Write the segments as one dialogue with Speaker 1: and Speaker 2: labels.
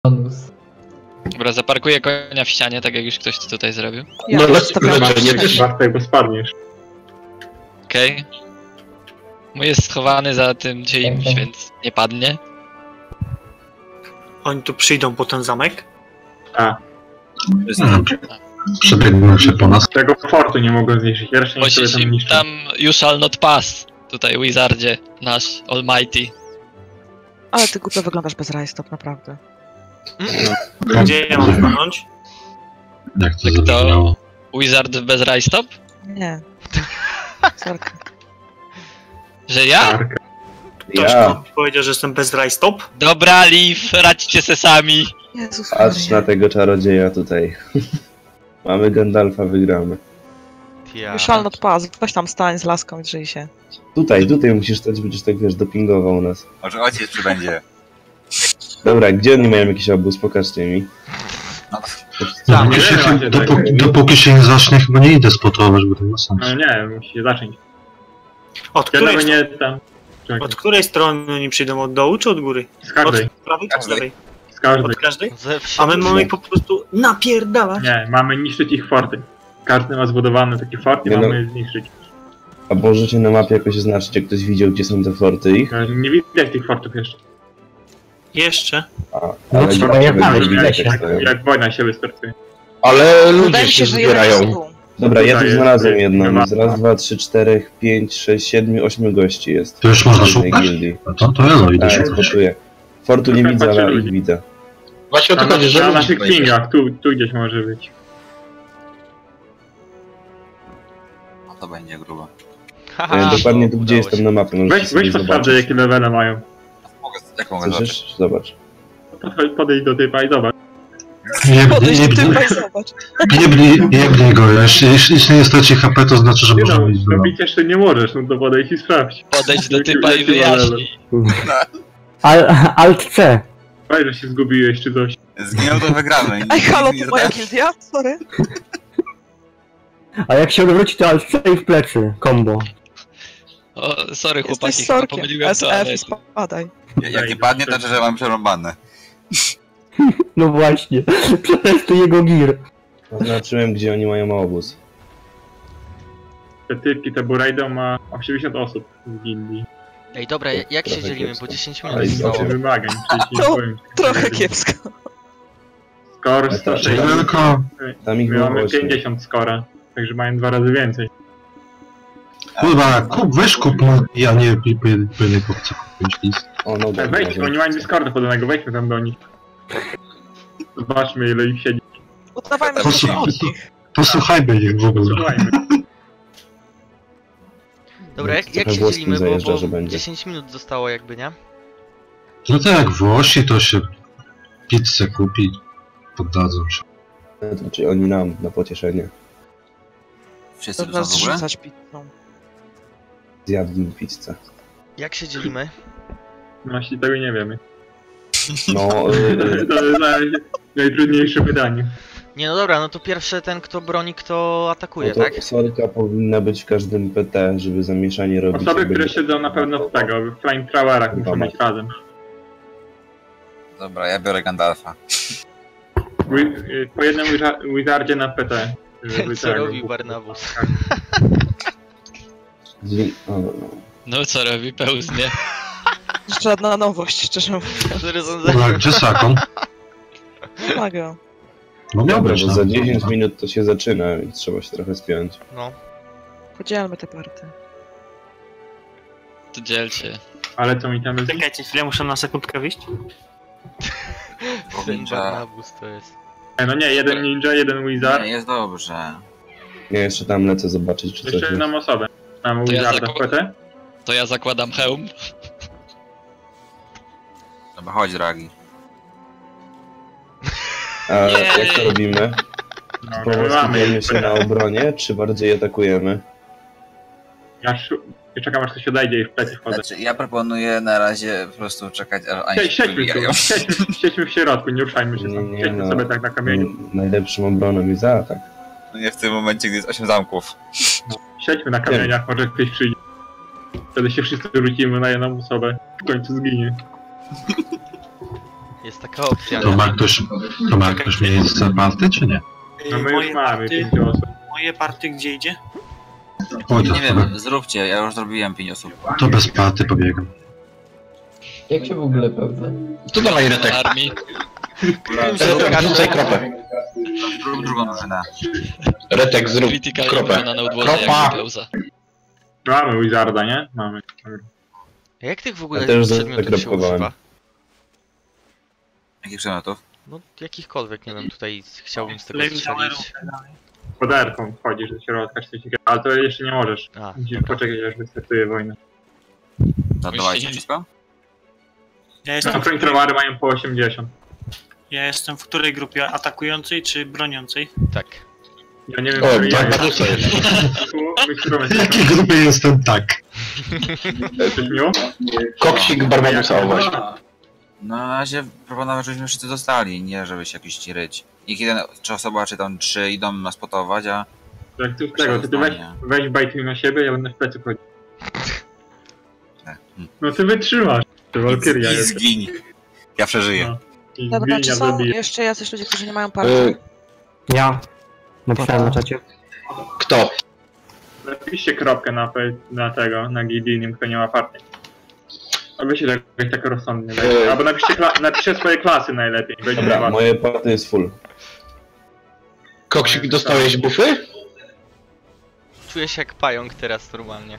Speaker 1: Bonus.
Speaker 2: Dobra, zaparkuję konia w ścianie, tak jak już ktoś to tutaj zrobił.
Speaker 3: Ja
Speaker 4: No,
Speaker 3: nie
Speaker 4: też.
Speaker 5: Warto, bo spadniesz.
Speaker 2: Okej. Mój jest schowany za tym czymś,
Speaker 1: Okej.
Speaker 2: więc nie padnie.
Speaker 3: Oni tu przyjdą po ten zamek?
Speaker 5: A,
Speaker 4: Przebiegną się po nas.
Speaker 5: tego fortu nie mogą zniszczyć. Ja raczej nie sobie
Speaker 2: Musisz
Speaker 5: tam
Speaker 2: im
Speaker 5: niszczyć.
Speaker 2: tam you shall not pass. Tutaj Wizardzie, nasz almighty.
Speaker 6: Ale ty głupio wyglądasz bez rajstop, naprawdę.
Speaker 3: Gdzie ja mam stanąć?
Speaker 4: Jak to
Speaker 2: Tak
Speaker 4: zabrzmiało?
Speaker 2: to Wizard bez rajstop?
Speaker 6: Nie. Sorka.
Speaker 2: Że ja?
Speaker 5: Arkę.
Speaker 3: Ktoś
Speaker 7: Ja.
Speaker 3: mi powiedział, że jestem bez rajstop?
Speaker 2: Dobra, Leaf, radźcie se sami.
Speaker 6: Jezus
Speaker 7: Patrz na
Speaker 6: Maria.
Speaker 7: tego czarodzieja tutaj. Mamy Gandalfa, wygramy.
Speaker 6: You shall not pass. Weź tam stań z laską i drzyj się.
Speaker 7: Tutaj musisz stać, będziesz tak wiesz, dopingował nas.
Speaker 8: Może ojciec przybędzie.
Speaker 7: Dobra, gdzie oni mają jakiś obóz? Pokażcie mi.
Speaker 4: Dopóki się, dopóki się nie zacznie, chyba nie idę spotować, bo to nie ma sensu.
Speaker 5: No nie, musi się zacząć.
Speaker 3: Od
Speaker 5: Ja
Speaker 3: której,
Speaker 5: nawet nie tam... Czekaj,
Speaker 3: od której strony oni przyjdą? Od dołu czy od góry?
Speaker 5: z każdej,
Speaker 3: Od prawej czy od lewej?
Speaker 5: z każdej.
Speaker 3: Od każdej?
Speaker 2: Ze
Speaker 3: A my mamy po prostu napierdalać.
Speaker 5: Nie, mamy niszczyć ich forty. Każdy ma zbudowany taki fort i
Speaker 7: Nie no.
Speaker 5: mamy zniszczyć.
Speaker 7: A możecie na mapie jakoś oznaczyć, jak ktoś widział, gdzie są te forty ich?
Speaker 5: Nie widać tych fortów jeszcze.
Speaker 3: Jeszcze?
Speaker 7: Ale
Speaker 1: trzeba
Speaker 7: gdzie
Speaker 1: je
Speaker 7: będzie
Speaker 1: znaleźć,
Speaker 7: widać,
Speaker 1: wiecie.
Speaker 7: jak stoją.
Speaker 5: Jak wojna się wystartuje.
Speaker 4: Ale ludzie
Speaker 6: Wydaje mi się,
Speaker 4: się
Speaker 6: że jeden
Speaker 4: zbierają.
Speaker 6: jest tu.
Speaker 7: Dobra, ja tu
Speaker 5: Tutaj
Speaker 7: znalazłem
Speaker 5: jest,
Speaker 7: jedną.
Speaker 5: chyba.
Speaker 7: Jest raz, dwa, trzy, czterech, 5, 6, 7, 8 gości jest.
Speaker 4: To już można
Speaker 7: W jednej
Speaker 4: szukać?
Speaker 7: gildii.
Speaker 4: No to elo, idę
Speaker 7: Tak,
Speaker 4: szukać.
Speaker 7: spotuję. Fortu nie
Speaker 5: Trochę
Speaker 7: widzę,
Speaker 5: patrzę
Speaker 7: ale
Speaker 5: ludzi.
Speaker 7: ich widzę.
Speaker 4: Właśnie
Speaker 5: Na, na naszych pingach, tu gdzieś może być.
Speaker 8: No to będzie grubo.
Speaker 7: Dokładnie tu, gdzie jestem na mapie. możecie
Speaker 5: Weź
Speaker 7: sobie
Speaker 5: posprawdzę jakie levele mają.
Speaker 8: Jak mogę zobaczyć?
Speaker 7: Słyszysz? Zobacz.
Speaker 5: Podejdź do typa i zobacz.
Speaker 6: Podejdź do typa i zobacz.
Speaker 4: Jebnij go, jeśli nie straci HP, to znaczy, że
Speaker 5: Nie
Speaker 4: można
Speaker 5: no,
Speaker 4: iść do
Speaker 5: robić jeszcze nie możesz, no to podejdź i sprawdź.
Speaker 2: Podejdź do typa i wyjaśnij.
Speaker 1: Alt-C.
Speaker 5: Weź, że się zgubiłeś czy coś.
Speaker 8: Zginął, to wygramy.
Speaker 6: Ej, halo,
Speaker 8: Nie
Speaker 6: to moja
Speaker 8: zadałem-
Speaker 6: gildia? Sorry.
Speaker 1: A jak się odwróci, to Alt-C i w plecy. Combo.
Speaker 2: O, sorry
Speaker 6: Jesteś
Speaker 2: chłopaki, chyba
Speaker 6: sorkiem.
Speaker 2: pomyliłem to, ale...
Speaker 6: SF i spadaj.
Speaker 8: Jak nie padnie, to znaczy, że mam przerąbane.
Speaker 1: No właśnie. Przetestuj jego gear.
Speaker 7: Oznaczyłem, gdzie oni mają obóz.
Speaker 5: Te typki, te Buraido ma 80 osób w gildii.
Speaker 2: Ej, dobra, jak się
Speaker 7: Trochę
Speaker 2: dzielimy,
Speaker 7: kiepsko.
Speaker 2: bo 10
Speaker 7: Ale
Speaker 2: minut
Speaker 7: i
Speaker 2: zostało.
Speaker 5: Osiem wymagań, przecież nie
Speaker 6: To
Speaker 5: powiem.
Speaker 6: Trochę kiepsko.
Speaker 5: Score
Speaker 7: Ale to-
Speaker 5: 160.
Speaker 4: Tylko,
Speaker 7: Tam ich
Speaker 5: My
Speaker 7: było
Speaker 5: mamy
Speaker 7: 8.
Speaker 5: 50 scora, także mają 2 razy więcej.
Speaker 4: kurwa, weź kup, no, ja nie po jednej kopce kupić list.
Speaker 7: O, no dobra.
Speaker 5: Wejdź, bo nie mają Discorda podanego, wejdźmy tam do nich. Zobaczmy ile ich siedzi.
Speaker 6: Udawajmy, że
Speaker 4: Posłuchaj.
Speaker 6: to od nich.
Speaker 4: Posłuchajmy ich w ogóle.
Speaker 5: Słuchajmy.
Speaker 2: Dobra, jak
Speaker 7: Trochę
Speaker 2: się
Speaker 7: włoskim
Speaker 2: dzielimy,
Speaker 7: zajeżdża,
Speaker 2: bo
Speaker 7: że będzie.
Speaker 2: 10 minut zostało jakby, nie?
Speaker 4: No tak jak Włosi, to się pizzę kupi, poddadzą się.
Speaker 7: To znaczy oni nam, na pocieszenie.
Speaker 8: Wszyscy tu
Speaker 6: Dobra,
Speaker 8: są w ogóle?
Speaker 6: zrzucać pizzą.
Speaker 7: Zjadłem pizzę.
Speaker 2: Jak się dzielimy?
Speaker 5: Właśnie tego nie wiemy.
Speaker 7: No,
Speaker 5: To jest najtrudniejsze pytanie.
Speaker 2: Nie, no dobra, no to pierwszy ten, kto broni, kto atakuje,
Speaker 7: no to
Speaker 2: tak?
Speaker 7: sorka powinna być w każdym PT, żeby zamieszanie robić.
Speaker 5: Osoby,
Speaker 7: jakby-
Speaker 5: które siedzą na pewno w tego, w flamethrowerach muszą być razem.
Speaker 8: Dobra, ja biorę Gandalfa.
Speaker 5: Po jednym wizardzie na PT. żeby
Speaker 2: Co
Speaker 5: tego-
Speaker 2: robi Barnabus?
Speaker 7: O, no.
Speaker 2: No co robi, pełznie.
Speaker 6: Żadna nowość, szczerze mówiąc.
Speaker 4: Dobra, gdzie Sakon?
Speaker 6: Pomaga.
Speaker 4: No miał
Speaker 7: Dobra,
Speaker 4: być
Speaker 7: bo
Speaker 4: tam.
Speaker 7: za 10 minut to się zaczyna, więc trzeba się trochę spiąć.
Speaker 2: No,
Speaker 6: Podzielmy te party.
Speaker 2: to dzielcie.
Speaker 5: Ale co mi tam jest?
Speaker 3: Czekajcie chwilę, muszę na sekundkę wyjść.
Speaker 2: Ten
Speaker 8: Ninja.
Speaker 2: Barnabus to jest.
Speaker 5: No nie, jeden ninja, jeden wizard.
Speaker 8: Nie, jest dobrze.
Speaker 7: Ja jeszcze tam lecę zobaczyć, czy coś
Speaker 5: Jeszcze
Speaker 7: jest.
Speaker 5: jedną osobę. Mamy
Speaker 2: To ja
Speaker 5: wizarda w PT.
Speaker 2: To ja zakładam hełm.
Speaker 8: Dobra, chodź, Dragi.
Speaker 7: A jak to robimy?
Speaker 5: No, my mamy.
Speaker 7: Skupiamy się na obronie, czy bardziej atakujemy?
Speaker 5: Ja czekam aż ktoś odejdzie i w plecy wchodzę.
Speaker 8: Znaczy, ja proponuję na razie po prostu czekać, aż oni się
Speaker 5: Siedźmy
Speaker 8: wybijają.
Speaker 5: tu, siedźmy w środku, nie ruszajmy się
Speaker 7: Nie,
Speaker 5: tam.
Speaker 7: nie,
Speaker 5: Siedźmy
Speaker 7: no.
Speaker 5: sobie tak na kamieniu.
Speaker 7: Najlepszą obroną jest zaatak.
Speaker 8: No nie w tym momencie, gdy jest 8 zamków.
Speaker 5: Siedźmy na kamieniach, może ktoś przyjdzie. Wtedy się wszyscy rzucimy na jedną osobę. W końcu zginie.
Speaker 9: Jest taka opcja.
Speaker 4: To ma ktoś miejsce party, czy nie?
Speaker 5: No my już mamy 5 osób.
Speaker 3: Moje party gdzie idzie?
Speaker 8: Nie wiem, zróbcie, ja już zrobiłem 5 osób.
Speaker 4: To bez party pobiegam.
Speaker 10: Jak się w ogóle pewne?
Speaker 1: To dawaj retek.
Speaker 2: Armii.
Speaker 1: Retek, rzucaj kropę.
Speaker 8: Zrób drugą drużynę.
Speaker 1: Retek, zrób
Speaker 2: Critical
Speaker 1: kropę.
Speaker 2: na udworze
Speaker 1: Kropa!
Speaker 2: jak Kleusa.
Speaker 5: Mamy Wizarda, nie? Mamy.
Speaker 9: A jak tych w ogóle
Speaker 7: Ja też
Speaker 9: przedmiotów się
Speaker 7: zakropkowałem.
Speaker 9: używa?
Speaker 8: Jakich przedmiotów?
Speaker 9: No jakichkolwiek, nie wiem, tutaj chciałbym z tego
Speaker 3: Flamethrowerów.
Speaker 9: strzelić.
Speaker 5: Poderką wchodzisz do środka, czy coś takiego. Ale to jeszcze nie możesz.
Speaker 9: A,
Speaker 5: Musisz
Speaker 9: dobra.
Speaker 5: poczekać, aż wystartuje wojna.
Speaker 8: Zadawajcie wszystko?
Speaker 3: Ja
Speaker 5: No,
Speaker 3: jestem,
Speaker 5: flamethrowary mają po 80.
Speaker 3: ja jestem w której grupie? Atakującej czy broniącej?
Speaker 9: Tak.
Speaker 5: Ja nie wiem,
Speaker 1: O,
Speaker 5: który ja
Speaker 1: tak,
Speaker 5: jestem.
Speaker 4: W jakiej grupie jestem tak?
Speaker 5: Coś miło?
Speaker 1: Koksik Barbadusa, o właśnie.
Speaker 8: Na razie proponować, żebyśmy wszyscy dostali, nie żeby się jakiś ryć. Niech jeden, czy osoba, czy tam 3 idą nas spotować, a...
Speaker 5: Jak ty z tego, to ty weź bajtuj na siebie, ja będę w plecy chodził. No ty wytrzymasz. To Valkyria
Speaker 8: I
Speaker 5: jest.
Speaker 8: zgiń. Ja przeżyję.
Speaker 5: No. I
Speaker 6: Dobra,
Speaker 5: zgiń,
Speaker 6: czy
Speaker 5: ja
Speaker 6: są
Speaker 5: zabiję.
Speaker 6: jeszcze jacyś ludzie, którzy nie mają party?
Speaker 1: Ja. Napisałem na czacie. Kto?
Speaker 5: Napiszcie kropkę na tego, na Gideonim, kto nie ma partii. Aby się jakoś tak rozsądnie. Albo napiszcie swoje klasy najlepiej. Będzie
Speaker 7: Dobra,
Speaker 5: łatwiej.
Speaker 7: moje party jest full.
Speaker 1: Koksik, dostałeś bufy?
Speaker 9: Czuję się jak pająk teraz normalnie.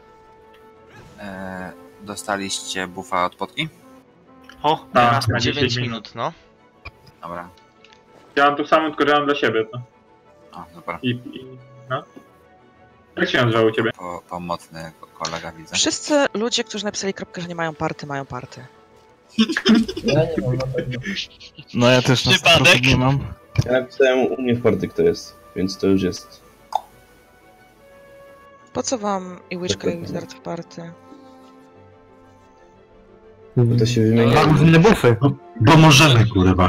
Speaker 8: Dostaliście buffa od potki?
Speaker 3: O,
Speaker 5: Tak,
Speaker 3: teraz
Speaker 5: na
Speaker 9: 9
Speaker 5: 10
Speaker 9: minut, no.
Speaker 8: Dobra.
Speaker 5: Ja mam tu samą, tylko że mam dla siebie, to.
Speaker 8: O, dobra.
Speaker 5: No. Jak się nazywa u ciebie?
Speaker 8: Pomocny kolega widzę.
Speaker 6: Wszyscy ludzie, którzy napisali kropkę, że nie mają party, mają party.
Speaker 10: Ja nie mam na pewno.
Speaker 11: No ja też na
Speaker 2: Przypadek?
Speaker 11: 100% nie mam.
Speaker 7: Ja napisałem u mnie w party kto jest, więc to już jest.
Speaker 6: Po co wam i Witchka i Wizard w party?
Speaker 7: Bo to się wymienia.
Speaker 1: Mam różne bufy.
Speaker 4: Bo możemy, kurwa.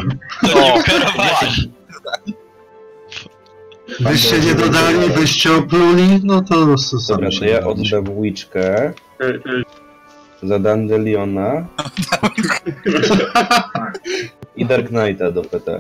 Speaker 4: Wyście nie dodali, wyście opluli, no to
Speaker 7: Dobra,
Speaker 4: sami
Speaker 7: to
Speaker 4: się
Speaker 7: ja
Speaker 4: dodaliście.
Speaker 7: oddam Witchkę za Dandeliona i Dark Knighta do PT.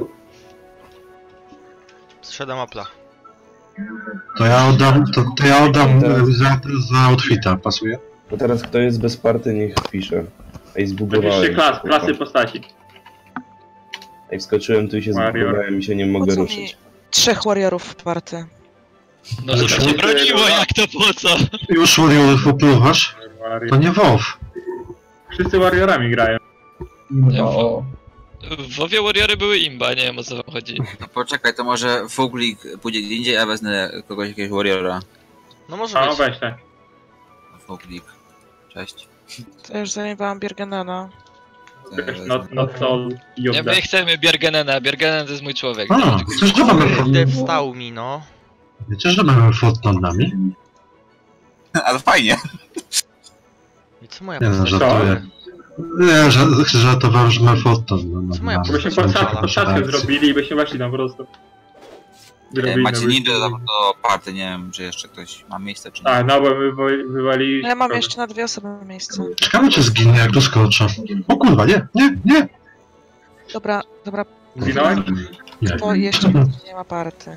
Speaker 9: Zszedłem Apple'a.
Speaker 4: To ja oddam za outfita, pasuje?
Speaker 7: Bo teraz kto jest bez party, niech pisze. Ej, zbugowałem
Speaker 5: Napiszcie
Speaker 7: się, kurwa.
Speaker 5: klasy postaci.
Speaker 7: Ej, wskoczyłem tu i się
Speaker 5: Warrior.
Speaker 7: zbugowałem i się nie
Speaker 6: Po
Speaker 7: mogę
Speaker 6: co mi
Speaker 7: ruszyć.
Speaker 6: 3 warriorów w party?
Speaker 2: No żeby cię broniło, jak to po co?
Speaker 4: Już Warriorów opluwasz? To nie WoW.
Speaker 5: Wszyscy warriorami grają.
Speaker 10: No.
Speaker 2: W WoWie Warriory były imba, nie wiem o co wam chodzi.
Speaker 8: No poczekaj, to może Fuglik pójdzie gdzie indziej, a wezmę kogoś, jakiegoś warriora.
Speaker 9: No może
Speaker 5: A,
Speaker 9: być.
Speaker 5: weź tak.
Speaker 8: Fuglik. Cześć.
Speaker 6: To już zajmowałam Biergenena.
Speaker 5: Not all
Speaker 2: Nie,
Speaker 5: Yoda.
Speaker 2: my chcemy Biergenena, Biergenen to jest mój człowiek.
Speaker 4: A, chcesz, że mamy
Speaker 9: Kurde, wstał mi, no.
Speaker 4: Wiecie, że mamy fot nad nami?
Speaker 8: Ale fajnie.
Speaker 9: I co moja
Speaker 4: Nie no,
Speaker 9: postać?
Speaker 4: żartuję. Nie, żartowałem, że mamy fot nad nami.
Speaker 9: Co moja
Speaker 5: Byśmy
Speaker 9: postać?
Speaker 5: podstawkę zrobili i byśmy weszli tam po prostu. Zrobili
Speaker 8: Macie
Speaker 5: na
Speaker 8: ninja
Speaker 5: wyjściu.
Speaker 8: do party, nie wiem, czy jeszcze ktoś ma miejsce, czy nie.
Speaker 5: A, no bo wywali...
Speaker 6: No ja mam jeszcze na 2 osoby miejsce.
Speaker 4: Ciekawe, czy zginie, jak doskoczę. O kurwa, nie!
Speaker 6: Dobra,
Speaker 5: Zginąłeś?
Speaker 4: Nie,
Speaker 6: to jeszcze nie ma party.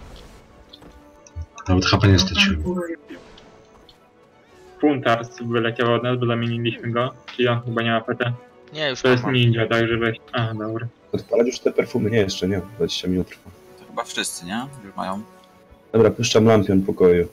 Speaker 4: nawet HP nie straciłem.
Speaker 5: Puntars wyleciał od nas, bo zamieniliśmy go. Czyli on chyba nie ma PT.
Speaker 9: Nie, już
Speaker 5: To jest
Speaker 9: mam.
Speaker 5: ninja, także weź... A, dobra.
Speaker 7: Odpalać już te perfumy? Nie, jeszcze nie. 20 minut trwa.
Speaker 8: To chyba wszyscy, nie? Już mają.
Speaker 7: Dobra, puszczam lampion pokoju.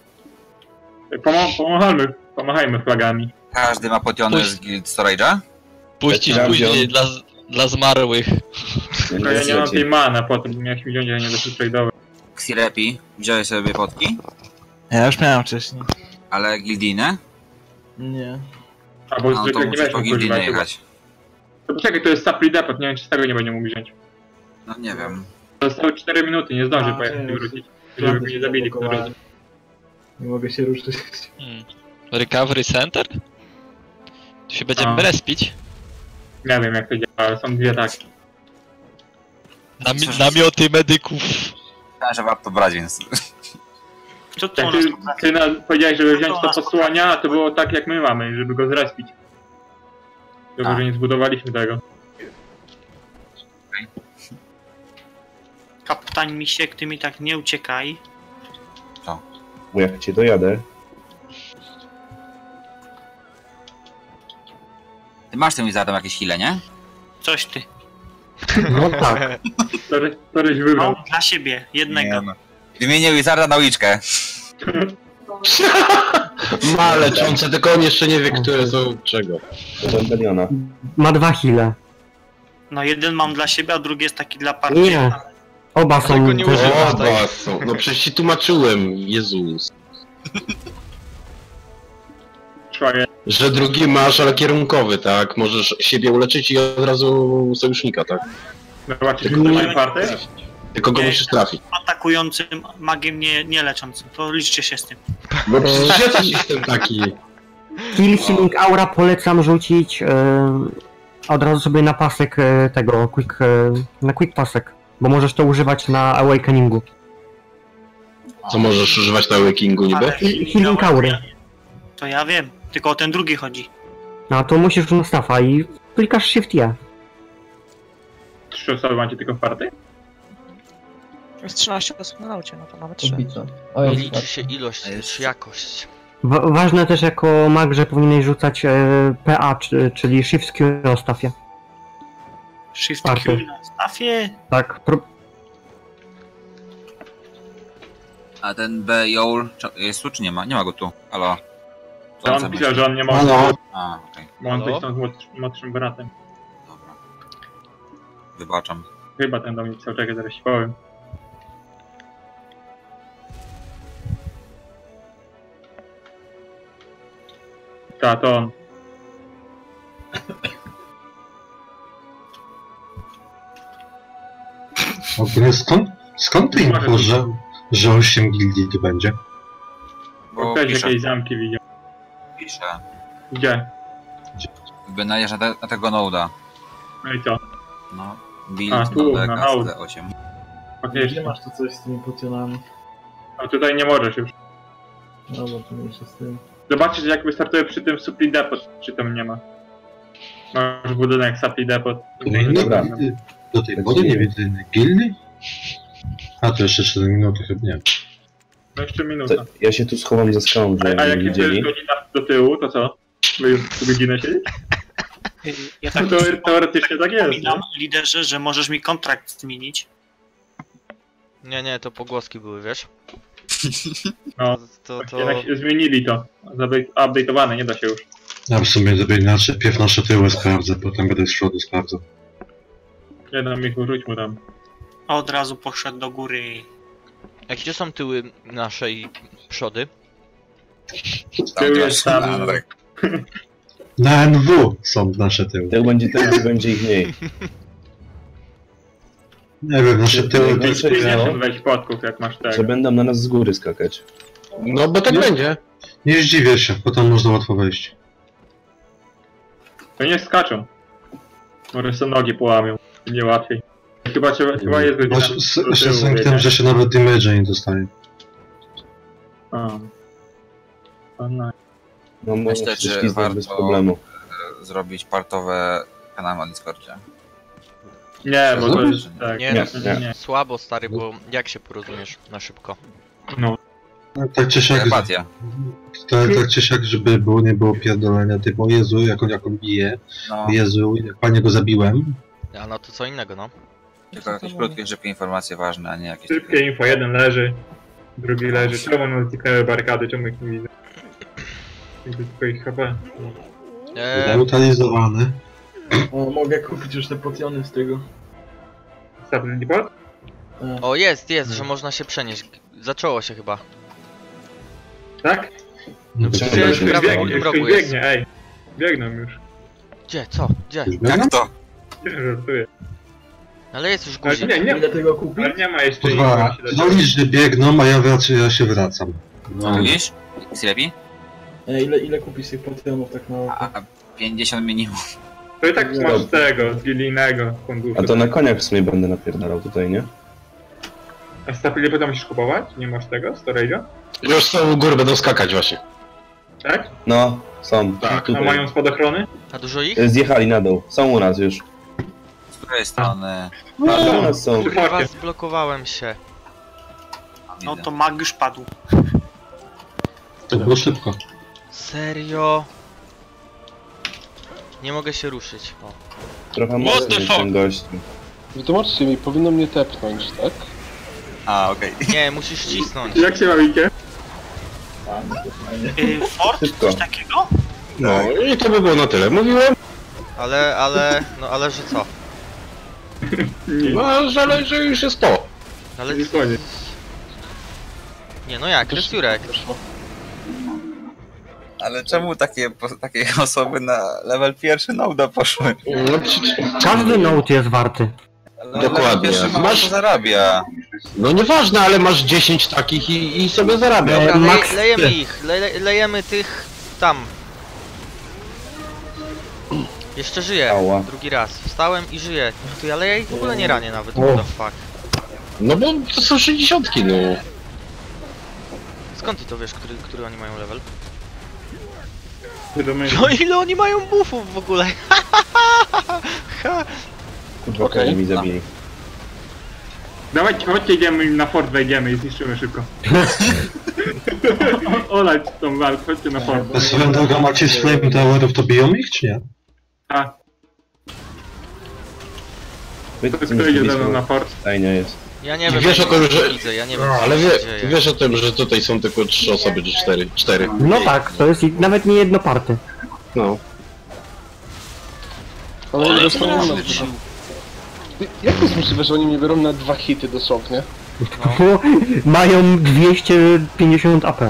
Speaker 5: Pomachajmy flagami.
Speaker 8: Każdy ma potionę z Guild Storage'a?
Speaker 2: Puścić
Speaker 7: Ja
Speaker 2: później dla zmarłych.
Speaker 5: Tylko ja nie mam tej mana, potem miałeś mi wziąć, a nie da się trade'ować.
Speaker 8: Xirepi, wziąłeś sobie potki,
Speaker 11: Ja już miałem wcześniej.
Speaker 8: ale Gildinę?
Speaker 11: Nie.
Speaker 5: Albo
Speaker 8: No to
Speaker 5: zwykle nie
Speaker 8: musisz po
Speaker 5: weźmy
Speaker 8: Gildinę
Speaker 5: używać.
Speaker 8: jechać.
Speaker 5: To poczekaj, to jest supply depot, nie wiem czy z tego nie będzie mógł wziąć.
Speaker 8: No nie wiem.
Speaker 5: Zostały 4 minuty, nie zdąży
Speaker 10: A,
Speaker 5: pojechać i
Speaker 10: nie.
Speaker 5: wrócić. Żeby mnie nie zabili po drodze.
Speaker 10: Nie mogę się ruszyć.
Speaker 2: Recovery Center? Tu się będziemy
Speaker 5: A.
Speaker 2: respić.
Speaker 5: Nie wiem jak to działa, ale są dwie takie.
Speaker 2: Namioty medyków.
Speaker 8: Myślałem, że warto brać, więc...
Speaker 3: Co tu u
Speaker 5: Jak
Speaker 3: nas?
Speaker 5: ty powiedziałeś, żeby wziąć to posłania, a to było tak jak my mamy, żeby go zrespić. Tylko,
Speaker 8: A.
Speaker 5: że nie zbudowaliśmy tego.
Speaker 3: Kapitan Misiek, ty mi tak nie uciekaj.
Speaker 7: Bo jak cię dojadę,
Speaker 8: Ty masz tym Wizardem jakieś heale, nie?
Speaker 3: Coś ty.
Speaker 1: No tak.
Speaker 5: Któryś wybrał.
Speaker 3: Mam dla siebie, jednego.
Speaker 8: Wymienię Wizarda na uliczkę.
Speaker 1: Ma leczące, tylko on jeszcze nie wie, które są czego.
Speaker 7: do Rebeliona.
Speaker 1: Ma 2 heale.
Speaker 3: No jeden mam dla siebie, a drugi jest taki dla partii.
Speaker 1: Nie. Oba są...
Speaker 9: Tego nie używasz, tak?
Speaker 1: Oba są. No przecież ci tłumaczyłem, Jezus.
Speaker 5: Szwagier.
Speaker 1: Że drugi masz, ale kierunkowy, tak? Możesz siebie uleczyć i od razu sojusznika, tak?
Speaker 5: Zobaczcie, kto mają party?
Speaker 1: Tylko go
Speaker 3: Nie.
Speaker 1: musisz trafić.
Speaker 3: Atakującym magiem, nie leczącym. To liczcie się z tym.
Speaker 1: Bo przecież jest system taki.
Speaker 12: Kill Healing Aura polecam rzucić od razu sobie na pasek tego, na quick pasek, bo możesz to używać na Awakeningu.
Speaker 1: Co możesz używać na Awakeningu niby?
Speaker 3: Ale
Speaker 12: Healing Aury.
Speaker 3: To ja wiem, tylko o ten drugi chodzi.
Speaker 12: No to musisz na staffa i klikasz Shift E.
Speaker 5: 3 osoby macie tylko w party?
Speaker 6: Jest 13 osób na naucie, no to nawet 3.
Speaker 10: Kubica. O,
Speaker 9: Nie
Speaker 10: jest
Speaker 9: liczy się ilość, lecz jakość.
Speaker 12: Ważne też jako mag, że powinieneś rzucać PA, czyli Shift Q na staffie.
Speaker 3: Shift
Speaker 12: Party.
Speaker 3: Q na stafie.
Speaker 12: Tak,
Speaker 8: A ten B. Joel jest tu czy nie ma? Nie ma go tu. Halo. Co
Speaker 5: To
Speaker 8: on
Speaker 5: on
Speaker 8: zamyślił?
Speaker 5: pisał, że on nie może.
Speaker 1: Halo?
Speaker 8: A, okej.
Speaker 5: Bo on
Speaker 9: Halo?
Speaker 5: coś tam z młodszym bratem.
Speaker 8: Dobra. Wybaczam.
Speaker 5: Chyba ten do mnie pisał, czekaj, zaraz ci powiem. Ta, to on.
Speaker 4: Ogólnie skąd ty info, że 8 gildii tu będzie?
Speaker 8: Bo
Speaker 5: Ktoś
Speaker 8: pisze,
Speaker 5: jakieś zamki widział.
Speaker 8: pisze.
Speaker 5: Gdzie?
Speaker 8: Jakby najeżdża na tego noda.
Speaker 5: No i co?
Speaker 8: No.
Speaker 5: A,
Speaker 8: Build
Speaker 5: tu,
Speaker 8: node
Speaker 5: na node.
Speaker 8: KSD8.
Speaker 10: Gdzie
Speaker 5: Faktycznie.
Speaker 10: masz to coś z tymi potionami?
Speaker 5: A tutaj nie możesz już.
Speaker 10: Dobra, to mniejsza z tym.
Speaker 5: Zobaczcie, że jak wystartuje przy tym Supply Depot, czy tam nie ma. Masz budynek Supply Depot.
Speaker 7: Dobra.
Speaker 4: Do tej pory nie widzę innej gildii? A to jeszcze 7 minut, chyba nie.
Speaker 5: No jeszcze minuta.
Speaker 7: To ja się tu schowam za skałą,
Speaker 5: A
Speaker 7: żeby
Speaker 5: jak
Speaker 7: nie
Speaker 5: jest
Speaker 7: widzieli.
Speaker 5: godzina do tyłu, to co? My już tu godzinę siedzieć?
Speaker 3: Ja
Speaker 5: No
Speaker 3: tak
Speaker 5: to teoretycznie tak jest.
Speaker 3: przypominam, liderze, że możesz mi kontrakt zmienić.
Speaker 9: Nie, to pogłoski były, wiesz?
Speaker 5: No,
Speaker 9: To...
Speaker 5: jednak zmienili to. Update'owane, nie da się już.
Speaker 4: Ja w sumie zrobię inaczej, pierw nasze tyły sprawdzę, potem będę z przodu sprawdzał.
Speaker 5: Jedną mi rzuć mu tam.
Speaker 3: A od razu poszedł do góry.
Speaker 9: A gdzie są tyły nasze i przody?
Speaker 5: Tył jest tam.
Speaker 4: Na NW są nasze tyły.
Speaker 7: Jak będzie ten, to będzie ich mniej.
Speaker 4: Nie wiem, nasze tyły...
Speaker 7: Najgorsze
Speaker 5: Ty
Speaker 7: jest
Speaker 5: nie
Speaker 7: to,
Speaker 5: chcesz wejść podków, jak masz
Speaker 7: że
Speaker 5: tego.
Speaker 7: będą na nas z góry skakać.
Speaker 1: No bo tak będzie.
Speaker 4: Nie zdziwię się, potem można łatwo wejść.
Speaker 5: To nie skaczą. Może sobie nogi połamią. Nie łatwiej. Chyba jest godzina.
Speaker 4: Jeszcze z tym, że się nawet damage nie dostaje.
Speaker 5: No.
Speaker 7: No może
Speaker 8: Myślę,
Speaker 7: się
Speaker 8: że
Speaker 7: ślizgnąć bez
Speaker 8: warto
Speaker 7: problemu.
Speaker 8: zrobić partowe kanały na Discordzie.
Speaker 5: Nie, bo to jest tak.
Speaker 9: Nie,
Speaker 7: Nie.
Speaker 9: słabo stary, bo jak się porozumiesz na szybko?
Speaker 5: No.
Speaker 4: No, tak czy siak,
Speaker 8: Telepatia.
Speaker 4: tak czy siak, żeby było, nie było pierdolenia typu o Jezu, jak on bije,
Speaker 8: No,
Speaker 4: Jezu, jak panie go zabiłem.
Speaker 9: A no to co innego, no.
Speaker 8: tylko jakieś krótkie, szybkie informacje ważne, a nie jakieś...
Speaker 5: Szybkie info, jeden leży, drugi leży. Czemu nam zniknęły barykady, czemu ich nie widzę? Jakby tylko ich HP.
Speaker 4: Neutralizowany.
Speaker 10: O, mogę kupić już te potiony z tego.
Speaker 5: Supply Depot?
Speaker 9: O, jest, że można się przenieść. Zaczęło się chyba.
Speaker 5: Tak?
Speaker 9: No
Speaker 4: Już
Speaker 9: przecież
Speaker 5: Już
Speaker 9: prawie w
Speaker 5: biegnie,
Speaker 9: tym
Speaker 5: już
Speaker 9: rogu
Speaker 5: ktoś
Speaker 9: jest.
Speaker 5: biegnie, ej. Biegną już.
Speaker 9: Gdzie, co, gdzie?
Speaker 8: Jak to?
Speaker 5: Żartuję.
Speaker 9: Ale jest już
Speaker 5: Ale
Speaker 9: guzik.
Speaker 5: nie,
Speaker 10: Ile tego kupić?
Speaker 5: ale nie ma jeszcze
Speaker 4: Kurwa, no licz, że biegną, a ja się wracam.
Speaker 8: No. Mówisz? Jest lepiej?
Speaker 10: Ile kupić tych potionów tak na oko?
Speaker 8: A 50 minimum.
Speaker 5: To i tak masz tego, z wilijnego funduszu.
Speaker 7: A to na koniach w sumie będę napierdalał tutaj, nie?
Speaker 5: A Supply Depot musisz kupować? Nie masz tego, storage'a?
Speaker 1: Już są u góry, będą skakać właśnie.
Speaker 5: Tak?
Speaker 7: No, są.
Speaker 1: Tak.
Speaker 5: A
Speaker 7: Tutaj.
Speaker 5: mają spadochrony?
Speaker 9: A dużo ich?
Speaker 7: Zjechali na dół. Są u nas już.
Speaker 8: której strony?
Speaker 7: No, są.
Speaker 9: Chyba zblokowałem się.
Speaker 3: No to mag już padł.
Speaker 4: To było szybko.
Speaker 9: Serio? Nie mogę się ruszyć. O.
Speaker 7: Trochę mocny jest ten gość.
Speaker 13: Wytłumaczcie mi, powinno mnie tepnąć, tak?
Speaker 8: A, okej.
Speaker 9: Nie, musisz cisnąć.
Speaker 5: Jak się ma Wikie?
Speaker 3: Fort? Coś takiego?
Speaker 1: No i to by było na tyle. Mówiłem,
Speaker 9: No ale że co?
Speaker 1: no, że już jest to.
Speaker 9: Ale...
Speaker 5: Nie koniec.
Speaker 9: Nie no jak, to jest Jurek.
Speaker 8: Ale czemu takie osoby na level pierwszy Noda poszły?
Speaker 1: No,
Speaker 12: Każdy note jest warty.
Speaker 1: dokładnie.
Speaker 8: Masz zarabia.
Speaker 1: No nieważne, ale masz 10 takich i sobie zarabiasz.
Speaker 9: Dobra,
Speaker 12: Max
Speaker 9: lejemy
Speaker 12: ty.
Speaker 9: ich, lejemy tych tam. Jeszcze żyję,
Speaker 7: Ała.
Speaker 9: drugi raz. Wstałem i żyję. To ja leję i w ogóle nie ranię nawet,
Speaker 12: O.
Speaker 9: what the fuck.
Speaker 1: No bo to są 60, no.
Speaker 9: Skąd ty to wiesz, który oni mają level?
Speaker 5: Wiadomo,
Speaker 9: No ile oni mają buffów w ogóle?
Speaker 7: Kurwa,
Speaker 13: Okej.
Speaker 7: mi zabili.
Speaker 5: Dawajcie, chodźcie, idziemy na fort, wejdziemy i zniszczymy szybko. Olać tą walkę, chodźcie na fort.
Speaker 4: A swoją drogą macie z Flame Towerów, to biją ich, czy nie?
Speaker 5: A,
Speaker 7: Wy-
Speaker 5: kto idzie ze mną na fort?
Speaker 7: Stajnia jest.
Speaker 9: Ja nie wiem,
Speaker 1: Wiesz
Speaker 9: ja
Speaker 1: o tym,
Speaker 9: nie
Speaker 1: że...
Speaker 9: widzę, ja nie wiem
Speaker 1: No,
Speaker 9: co
Speaker 1: ale
Speaker 9: się dzieje.
Speaker 1: wiesz o tym, że tutaj są tylko 3 osoby, czy 4? 4.
Speaker 12: No tak, to jest nawet nie jedno party.
Speaker 1: No.
Speaker 13: Ale jak to jest możliwe, że oni mnie biorą na 2 hity dosłownie?
Speaker 12: Bo mają 250 AP.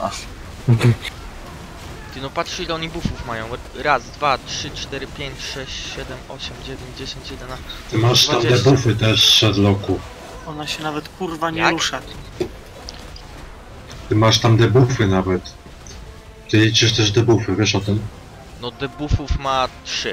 Speaker 9: Ty no patrz ile oni buffów mają. Raz, 2, 3, 4, 5, 6, 7, 8, 9, 10, 11.
Speaker 4: Ty masz tam
Speaker 9: 20.
Speaker 4: debuffy też, Shadlocku.
Speaker 3: Ona się nawet kurwa nie
Speaker 9: Jak?
Speaker 3: rusza.
Speaker 4: Ty masz tam debuffy nawet. Ty liczysz też debuffy, wiesz o tym?
Speaker 9: No debuffów ma 3.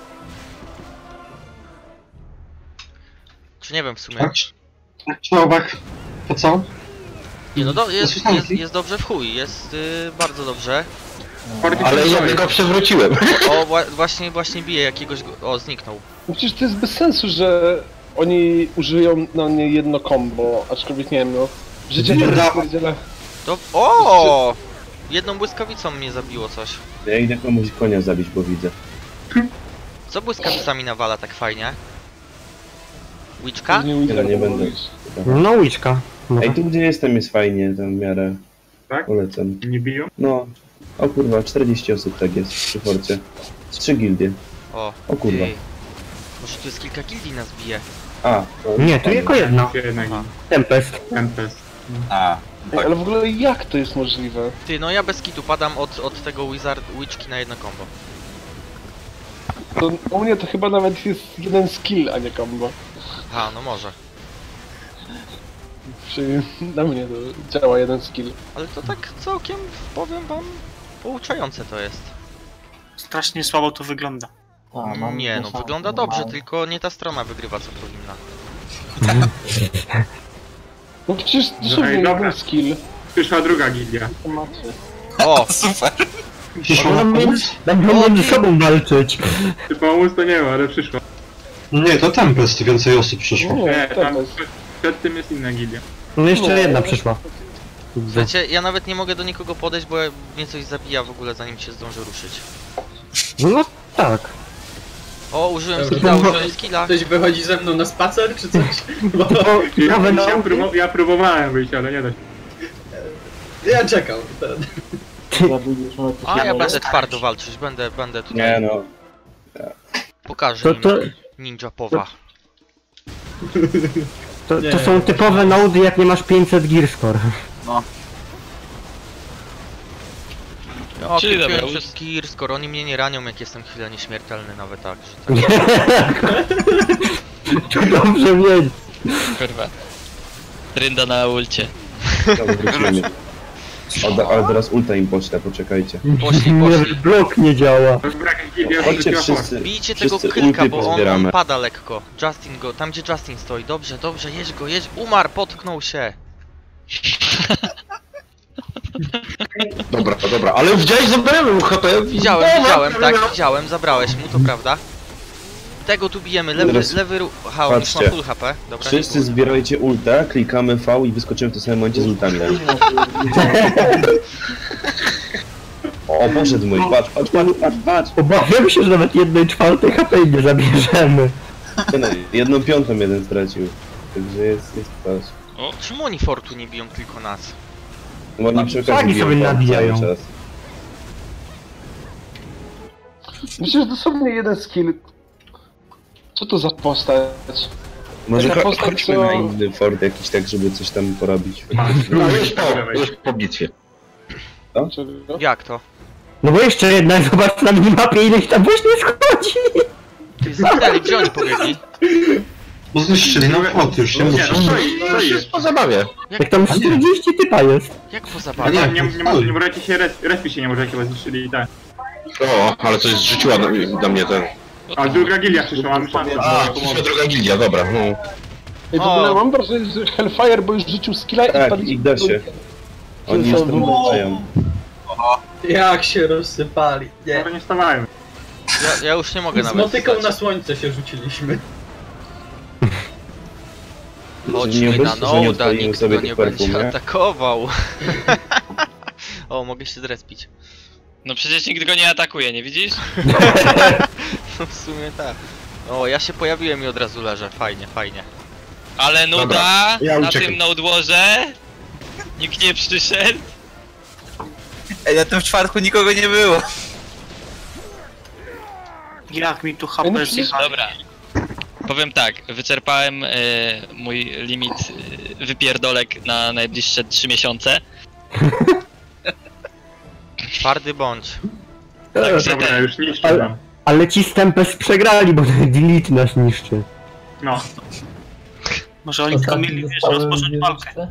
Speaker 9: Czy nie wiem w sumie.
Speaker 4: Tak? Człowiek, po co?
Speaker 9: Nie no jest dobrze w chuj, jest bardzo dobrze.
Speaker 1: Ale ja go przewróciłem.
Speaker 9: O właśnie bije jakiegoś... O zniknął.
Speaker 13: No przecież to jest bez sensu, że oni użyją na mnie jedno combo, aczkolwiek nie wiem, no... Życie
Speaker 4: Nie
Speaker 13: to
Speaker 4: da-
Speaker 13: pierdzielę.
Speaker 9: To... O! Jedną błyskawicą mnie zabiło coś.
Speaker 7: Ja idę komuś konia zabić, bo widzę.
Speaker 9: Co błyskawicami nawala tak fajnie? Witchka?
Speaker 7: Tyle nie będę.
Speaker 12: No łyczka.
Speaker 7: Ej, tu gdzie jestem jest fajnie, tam w miarę.
Speaker 5: Tak?
Speaker 7: Polecam.
Speaker 5: Nie biją?
Speaker 7: No. O kurwa, 40 osób tak jest przy forcie. Z 3 gildie.
Speaker 9: O
Speaker 7: kurwa.
Speaker 9: ty. Może tu jest kilka gildii nas bije.
Speaker 7: A. No,
Speaker 12: Nie, tu tylko jedna.
Speaker 5: Jedna
Speaker 12: Tempest.
Speaker 5: Tempest.
Speaker 8: A,
Speaker 13: Ej, ale w ogóle jak to jest możliwe?
Speaker 9: Ty, no ja bez kitu padam od tego Witchki na jedno combo.
Speaker 13: To u mnie to chyba nawet jest jeden skill, a nie combo.
Speaker 9: Aha, no może.
Speaker 13: Czyli na mnie to działa jeden skill.
Speaker 9: Ale to tak całkiem, powiem wam, pouczające to jest.
Speaker 3: Strasznie słabo to wygląda.
Speaker 9: Nie no, wygląda dobrze, tylko nie ta strona wygrywa co powinna.
Speaker 13: No przecież dosłownie
Speaker 5: Ej, dobra.
Speaker 13: jeden skill.
Speaker 5: Przyszła druga gildia.
Speaker 9: O!
Speaker 8: super.
Speaker 12: Będą między sobą walczyć.
Speaker 5: Czy pomóc to nie ma, ale przyszła.
Speaker 4: Nie, to Tempest, więcej osób przyszło.
Speaker 5: Nie, tam
Speaker 13: Tempest.
Speaker 5: przed tym jest inna gildia.
Speaker 12: No jeszcze jedna przyszła.
Speaker 9: Słuchajcie, ja nawet nie mogę do nikogo podejść, bo mnie coś zabija w ogóle zanim się zdążę ruszyć.
Speaker 12: No tak.
Speaker 9: O, użyłem skilla.
Speaker 10: Ktoś wychodzi ze mną na spacer, czy coś? Bo
Speaker 5: Ja próbowałem wyjść, ale nie da się.
Speaker 10: ja czekam.
Speaker 9: A ja będę twardo walczyć, będę tutaj.
Speaker 7: Nie no.
Speaker 9: Pokażę
Speaker 12: To
Speaker 9: im ninja powa.
Speaker 12: To są typowe nody, jak nie masz 500 gear score.
Speaker 9: O,
Speaker 2: Czyli
Speaker 9: kupiłem
Speaker 2: dobra,
Speaker 9: przez gear score, oni mnie nie ranią jak jestem chwilę nieśmiertelny nawet tak, że tak.
Speaker 12: To dobrze wiedzieć.
Speaker 2: Kurwa. Trynda na ulcie.
Speaker 7: Dobra, wrócimy. Ale teraz ulta im poczta, poczekajcie.
Speaker 9: Poszli.
Speaker 12: Nie, blok nie działa.
Speaker 7: Chodźcie wszyscy.
Speaker 9: Bijcie tego
Speaker 7: Wszyscy
Speaker 9: kilka,
Speaker 7: ulty
Speaker 9: bo on
Speaker 7: pozbieramy.
Speaker 9: pada lekko. Justin go, tam gdzie Justin stoi. Dobrze, jedź go, umarł, potknął się.
Speaker 1: Dobra, ale widziałeś, zabrałem mu HP.
Speaker 9: Widziałem, tak, widziałem, zabrałeś mu, to prawda. Tego tu bijemy,
Speaker 7: Teraz
Speaker 9: lewy ruch. Aha, on już ma
Speaker 7: patrzcie.
Speaker 9: full HP. Dobra,
Speaker 7: Wszyscy
Speaker 9: nie
Speaker 7: zbierajcie ulta, klikamy V i wyskoczymy w tym samym momencie z ultami. O, poszedł mój, patrz.
Speaker 12: Obawiam się, że nawet 1/4 HP nie zabierzemy.
Speaker 7: No, 1/5 jeden stracił. Także jest patrz.
Speaker 9: O, czemu oni fortu nie biją tylko nas?
Speaker 7: Bo oni przy okazji
Speaker 12: Flagi
Speaker 7: biją
Speaker 12: sobie
Speaker 7: cały
Speaker 12: nabijają.
Speaker 7: czas.
Speaker 13: Myślę, że dosłownie jeden skill. Co to za postać?
Speaker 7: Może
Speaker 13: Taka postać,
Speaker 7: chodźmy
Speaker 13: co-
Speaker 7: na inny fort jakiś tak, żeby coś tam porobić.
Speaker 1: No już po bitwie.
Speaker 13: Czego?
Speaker 9: Jak to?
Speaker 12: No bo jeszcze jedna, zobacz na minimapie ile ich tam właśnie schodzi.
Speaker 9: Ty zginęli, gdzie oni pobiegli?
Speaker 4: Bo zniszczyli na fort, już się muszę.
Speaker 1: To jest po zabawie.
Speaker 12: Jak tam 40 typa jest.
Speaker 9: Jak po
Speaker 5: A
Speaker 9: zabawie?
Speaker 5: nie możecie się respić się nie możecie, bo zniszczyli i tak.
Speaker 1: O, ale coś zrzuciła na mnie ten.
Speaker 5: A druga gilia przyszła, mamy szansę.
Speaker 1: A, przyszła druga gildia, dobra. No.
Speaker 13: Ej, w ogóle mam wrażenie, że Hellfire, bo już rzucił skilla i
Speaker 7: Tak,
Speaker 13: pali...
Speaker 7: i da się. Oni już tam wracają.
Speaker 10: Jak się rozsypali. Nie.
Speaker 5: Dobra, nie stawałem.
Speaker 9: Ja już nie mogę
Speaker 10: Z
Speaker 9: nawet
Speaker 10: motyką
Speaker 9: wstać.
Speaker 10: na słońce się rzuciliśmy.
Speaker 7: Nie
Speaker 9: Chodźmy na
Speaker 7: obecnie, że nie
Speaker 9: Noda,
Speaker 7: odpalimy
Speaker 9: nikt
Speaker 7: sobie
Speaker 9: go nie
Speaker 7: tych perfum,
Speaker 9: będzie
Speaker 7: nie?
Speaker 9: atakował. O, mogę się zrespić.
Speaker 2: No przecież nikt go nie atakuje, nie widzisz?
Speaker 9: No w sumie tak. O, ja się pojawiłem i od razu leżę. Fajnie, fajnie.
Speaker 2: Ale nuda
Speaker 1: Dobra, ja
Speaker 2: na
Speaker 1: uciekam.
Speaker 2: tym nodłorze. Nikt nie przyszedł.
Speaker 8: Ej, na tym czwartku nikogo nie było.
Speaker 3: Jak mi tu HP zjechali.
Speaker 2: Dobra. Powiem tak, wyczerpałem mój limit wypierdolek na najbliższe 3 miesiące.
Speaker 9: Twardy bądź.
Speaker 2: Także
Speaker 5: Dobra,
Speaker 2: ten,
Speaker 5: już niszczę tam.
Speaker 12: Ale ci z Tempest przegrali, bo ten delete nas niszczy.
Speaker 5: No.
Speaker 3: Może oni tylko mieli, wiesz, rozpocząć walkę.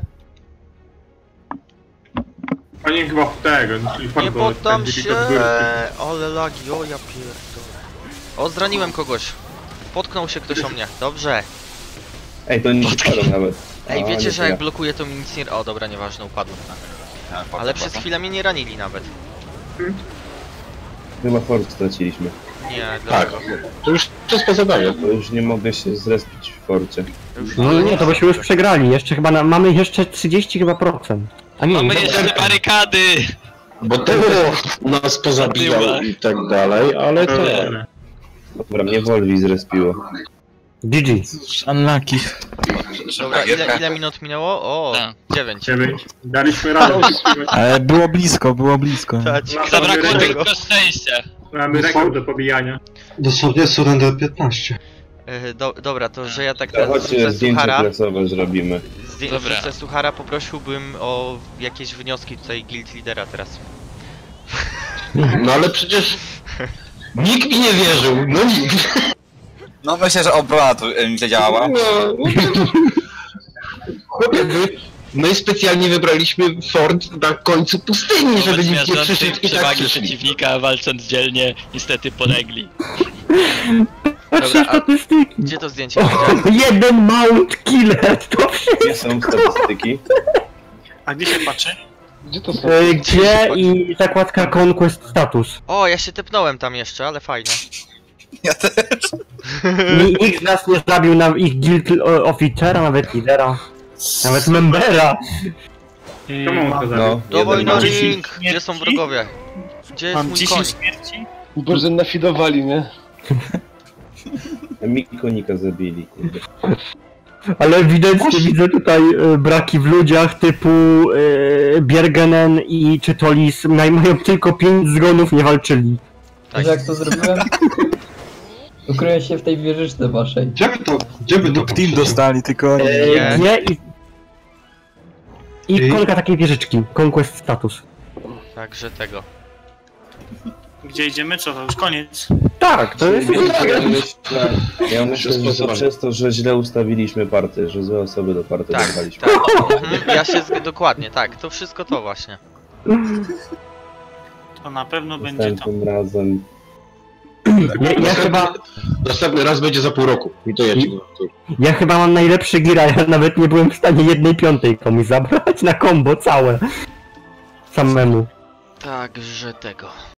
Speaker 5: Oni chyba w tego,
Speaker 9: Nie poddam się. Ale lagi, o ja pierdolę. O, zraniłem kogoś. Potknął się ktoś o mnie. Dobrze.
Speaker 7: Ej, to nie spadł nawet.
Speaker 9: Ej,
Speaker 7: A,
Speaker 9: wiecie,
Speaker 7: nie
Speaker 9: że jak
Speaker 7: tyle.
Speaker 9: blokuję to mi nic nie... O, dobra, nieważne, upadłem. Ale przez chwilę mnie nie ranili nawet.
Speaker 7: Chyba fort straciliśmy.
Speaker 9: Nie,
Speaker 1: Tak.
Speaker 9: dlaczego?
Speaker 1: To już jest po zabawie.
Speaker 7: Bo już nie mogę się zrespić w forcie.
Speaker 12: No nie, to byśmy już przegrali. Jeszcze chyba mamy jeszcze 30 chyba procent. A nie,
Speaker 2: mamy
Speaker 12: nie,
Speaker 2: jeszcze barykady.
Speaker 1: Bo tego nas pozabijał i tak dalej, ale to...
Speaker 7: Dobra, mnie Wolwi zrespiło.
Speaker 12: GG.
Speaker 11: Unlucky.
Speaker 9: Dobra, ile minut minęło? O,
Speaker 2: Tak.
Speaker 9: 9.
Speaker 5: 9. Daliśmy radę.
Speaker 11: Ale było blisko, było blisko.
Speaker 9: Tak,
Speaker 2: Zabrakło tylko szczęścia.
Speaker 5: Mamy rekord do pobijania.
Speaker 4: Dosłownie surrender 15.
Speaker 9: Dobra, to że ja tak
Speaker 7: To
Speaker 9: teraz
Speaker 7: chodźcie
Speaker 9: wrzucę
Speaker 7: zdjęcie
Speaker 9: suchara.
Speaker 7: klasowe zrobimy.
Speaker 2: Dobra.
Speaker 9: Wrzucę suchara, poprosiłbym o jakieś wnioski tutaj guild lidera teraz.
Speaker 1: No ale przecież... Nikt mi nie wierzył, no nikt.
Speaker 8: No myślę, że obrona tu zadziałała.
Speaker 1: Chłopie, my specjalnie wybraliśmy fort na końcu pustyni, żeby nikt nie przyszedł i tak
Speaker 2: przewagi
Speaker 1: przyszli.
Speaker 2: przeciwnika, walcząc dzielnie, niestety polegli.
Speaker 12: Patrzcie
Speaker 9: Dobra, a
Speaker 12: statystyki.
Speaker 9: gdzie to zdjęcie?
Speaker 12: O, jeden mount killer, to wszystko.
Speaker 7: Gdzie są statystyki?
Speaker 3: A gdzie się patrzy?
Speaker 13: Gdzie to są?
Speaker 12: Gdzie i zakładka Conquest Status.
Speaker 9: O, ja się tepnąłem tam jeszcze, ale fajnie.
Speaker 8: Ja też.
Speaker 12: Nikt z nas nie zabił na ich guild officera, nawet lidera. Nawet membera.
Speaker 5: Czemu on to zabił?
Speaker 7: No,
Speaker 9: Dawaj na
Speaker 7: jeden
Speaker 9: ring! Gdzie są wrogowie? Gdzie jest
Speaker 3: Mam
Speaker 9: mój
Speaker 3: 10
Speaker 9: koń?
Speaker 3: śmierci?
Speaker 13: Boże, nafidowali, nie?
Speaker 7: Mikonika zabili, kurde.
Speaker 12: Ale ewidentnie widzę tutaj braki w ludziach typu Bjergenen i Czytolis mają tylko 5 zgonów, nie walczyli.
Speaker 9: Tak.
Speaker 11: Jak to zrobiłem? Ukryłem się w tej wieżyczce waszej.
Speaker 4: Gdzie by to
Speaker 11: Team dostali, tylko oni.
Speaker 9: Nie.
Speaker 12: Nie i kolka takiej wieżyczki. Conquest Status.
Speaker 9: Także tego.
Speaker 3: Gdzie idziemy? Co to już koniec?
Speaker 12: Tak, to jest...
Speaker 7: Ja myślę, że to przez to, że źle ustawiliśmy party, że złe osoby do party
Speaker 9: Tak,
Speaker 7: dodaliśmy.
Speaker 9: tak. Ja się dokładnie, tak. To wszystko to właśnie.
Speaker 3: To na pewno będzie to.
Speaker 7: Następnym razem.
Speaker 12: Ja chyba...
Speaker 1: Następny raz będzie za pół roku. I to jedź.
Speaker 12: Ja chyba mam najlepszy gira, ja nawet nie byłem w stanie 1/5 komuś zabrać na combo całe. Samemu.
Speaker 9: Także tego.